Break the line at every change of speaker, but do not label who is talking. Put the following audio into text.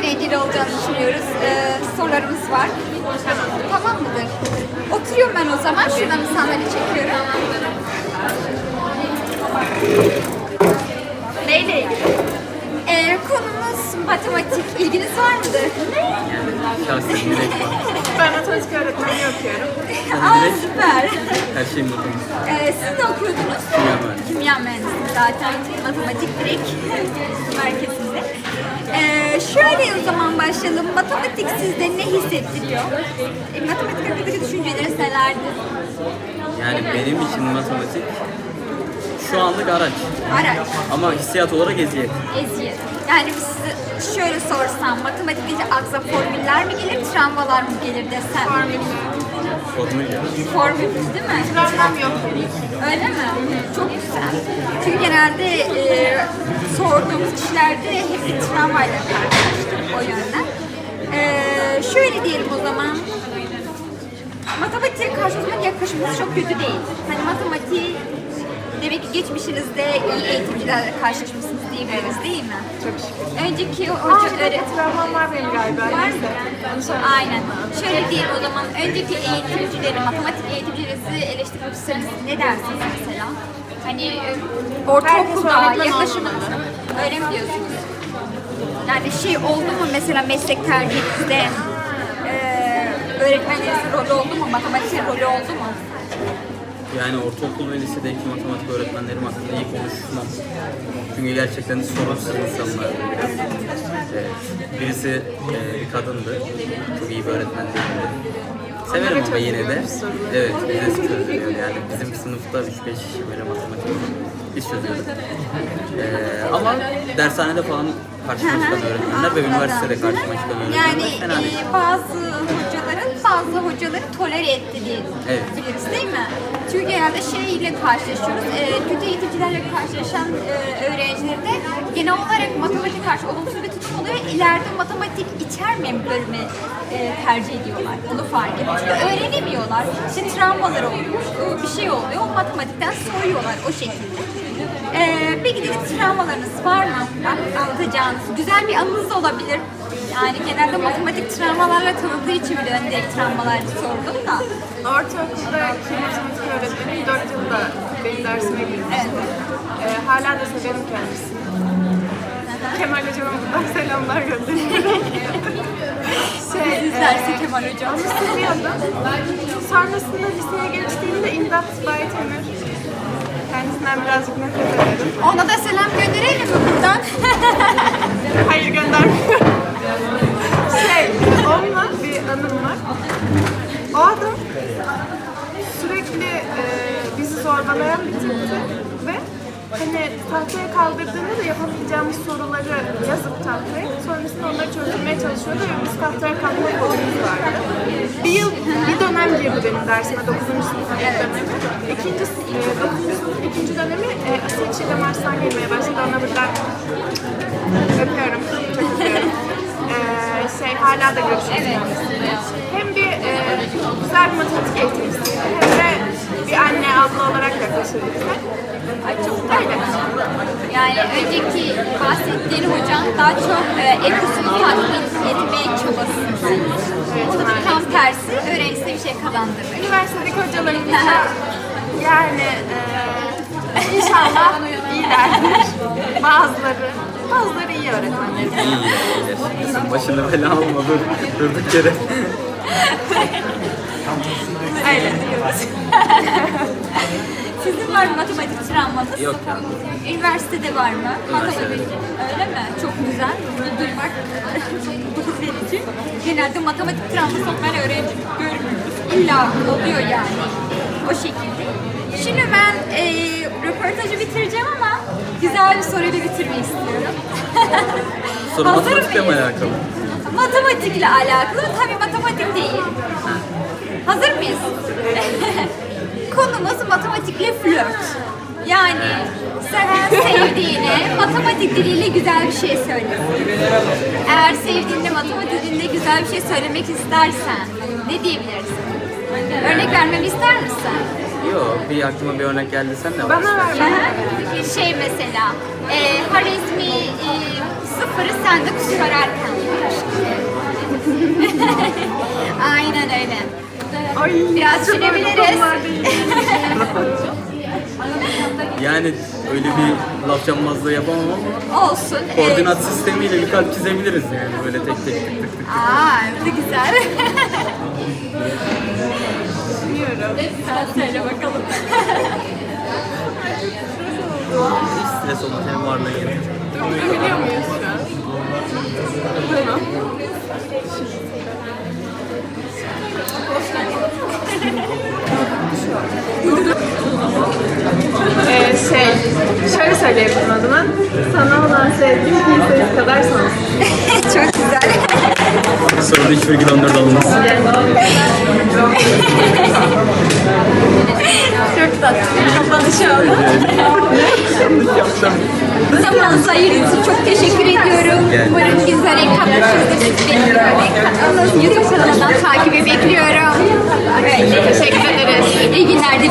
eğlenceli olacağını düşünüyoruz. Sorularımız var. Tamam mıdır? Oturuyorum ben o zaman. Şuradan bir sandalye çekiyorum. Neyle ilgili? Konumuz matematik. İlginiz var mıdır?
Şahsen direkt var.
Ben matematik öğretmenliği okuyorum.
Aa, süper.
Her şey matematik.
Siz ne okuyordunuz?
Kimya mühendisliği.
Kimya mühendisliği zaten. Matematik direkt merkezinde. Şöyle o zaman başlayalım. Matematik sizde ne hissettiriyor? Matematik hakkındaki düşünceleriniz nelerdir?
Yani benim için matematik şu anlık araç.
Araç,
Ama hissiyat olarak eziyet.
eziyet. Yani biz size şöyle sorsam, matematik deyince aklınıza formüller mi gelir, travmalar mı gelir desem?
Formül ya.
Formül değil mi?
Travmam yok.
Öyle mi? Çok güzel. Çünkü genelde sorduğumuz kişilerde hep bir travmayla karşılaştık o yönden. Şöyle diyelim o zaman. Matematiğe karşı o zaman yaklaşımımız çok kötü değil. Hani matematiği demek ki geçmişinizde iyi eğitimcilerle karşılaşmışsınız diyebiliriz değil mi?
Çok şükür.
Önceki hoca
Travmam var benim galiba.
var mı?
Neyse.
Aynen. Şöyle diyelim o zaman, önceki eğitimcileri, matematik eğitimcilerinizi eleştirmek isterseniz ne dersiniz mesela? Hani ortaokulda
öğretmen
yaklaşımınız öyle mi diyorsunuz? Yani şey oldu mu mesela meslek tercihinizde öğretmenlerinizin rolü oldu mu? Matematiğin rolü oldu mu?
Yani ortaokul ve lisedeki matematik öğretmenlerim hakkında iyi konuşmam. Çünkü gerçekten sorunsuz insanlar. Evet. Birisi bir kadındı. Çok iyi bir öğretmen değildi. Severim ama yine de. Evet, bize çözülüyor yani. Bizim sınıfta 3-5 böyle matematik biz çözüyorduk. Ama dershanede falan karşıma çıkan öğretmenler ve üniversitede karşıma çıkan öğretmenler
Yani
fena değil.
bazı hocaları tolere etti diye
Evet.
biliriz değil mi? Çünkü genelde şeyle karşılaşıyoruz. Kötü eğitimcilerle karşılaşan öğrencileri de genel olarak matematik karşı olumsuz bir tutum oluyor. İleride matematik içermeyen bir bölümü tercih ediyorlar. Onu fark ediyor. Çünkü öğrenemiyorlar. İşte travmalar oluyor. Bir şey oluyor. O matematikten soğuyorlar o şekilde. Peki de travmalarınız var mı? Anlatacağınız. Güzel bir anınız da olabilir. Yani genelde matematik travmalarla tanıdığı için bile ben direkt travmalar sordum da.
Ortaokuldaki matematik öğretmenim 4 yılda benim dersime girmişti. Hala da severim kendisini. Kemal Hocam'a buradan selamlar gönderiyorum.
İzlerse Kemal Hocam.
Onu seviyordum. Sonrasında liseye geçtiğimde İmdat Baytemir. Kendisinden birazcık nefret ederim.
Ona da selam gönderelim mi buradan?
Hayır göndermiyorum. Onunla bir anım var. O adam sürekli bizi zorbalayan bir tipti ve hani tahtaya kaldırdığında da yapamayacağımız soruları yazıp tahtaya, sonrasında onları çözülmeye çalışıyordu ve biz tahtaya kalkma kodumuz vardı. Bir dönem girdi benim dersime, 9. sınıf dönemi. 9. sınıf 2. dönemi Asiye Çiğdem Arslan girmeye başladı. Ona buradan öpüyorum, çok öpüyorum. Hala da görüşüyoruz. Hem bir güzel bir matematik eğitimcisi hem de bir anne abla olarak yaklaşır bize.
Ay çok öyle. Yani önceki bahsettiğin hocam daha çok egosunu tatmin etmeye çabası. O da tam tersi, öğrencisine bir şey kazandırır.
Üniversitedeki hocalarımız da yani inşallah iyilerdir. Bazıları iyi öğretmenlerimiz.
İyiler. Başını bela alma durduk yere.
Öyle diyoruz.
Sizin var mı matematik travmanız?
Yok ya.
Üniversitede var mı? Matematik. Öyle mi? Çok güzel. Bunu duymak gurur verici. Genelde matematik travması olmayan öğrenci görmüyoruz. İlla oluyor yani. O şekilde. Şimdi ben röportajı bitireceğim ama güzel bir soruyla bitirmeyi istiyorum.
Soru
Hazır
matematikle mi
mıyız?
alakalı?
Matematikle alakalı. Tabii matematik değil. Hazır mıyız? Konumuz matematikle flört. Yani sen sevdiğine matematik diliyle güzel bir şey söyle. Eğer sevdiğinde matematik dilinde güzel bir şey söylemek istersen ne diyebilirsin? Örnek vermemi ister misin?
Yok, bir aklıma bir örnek geldi, sen de var.
Bana ver.
Şey mesela, Harizmi sıfırı sende kusur ararken. Aynen öyle.
Ay,
Biraz
çok öyle
sürebiliriz.
konular değil.
Yani öyle bir laf cambazlığı yapamam ama
Olsun.
koordinat sistemiyle bir kalp çizebiliriz yani, böyle tek tek tık tık tık.
Aa, ne güzel.
Bilmiyorum.
Sen söyle bakalım.
Hiç stres olmaz, hem varlığı yeter.
Durdurabiliyor muyuz şu an? Tamam. Şöyle söyleyebilirim adına. Sana olan sevgim kimsesiz kadar sonsuz.
Çok güzel.
Soruda 3,14 alınmaz.
Çok tatlı. Kapanışı oldu. Zamanınızı ayırdığınız için çok teşekkür ediyorum. Umarım güzel ekranlaşırız. YouTube kanalından takibi bekliyorum. Evet, teşekkür ederiz. İyi günler diliyorum.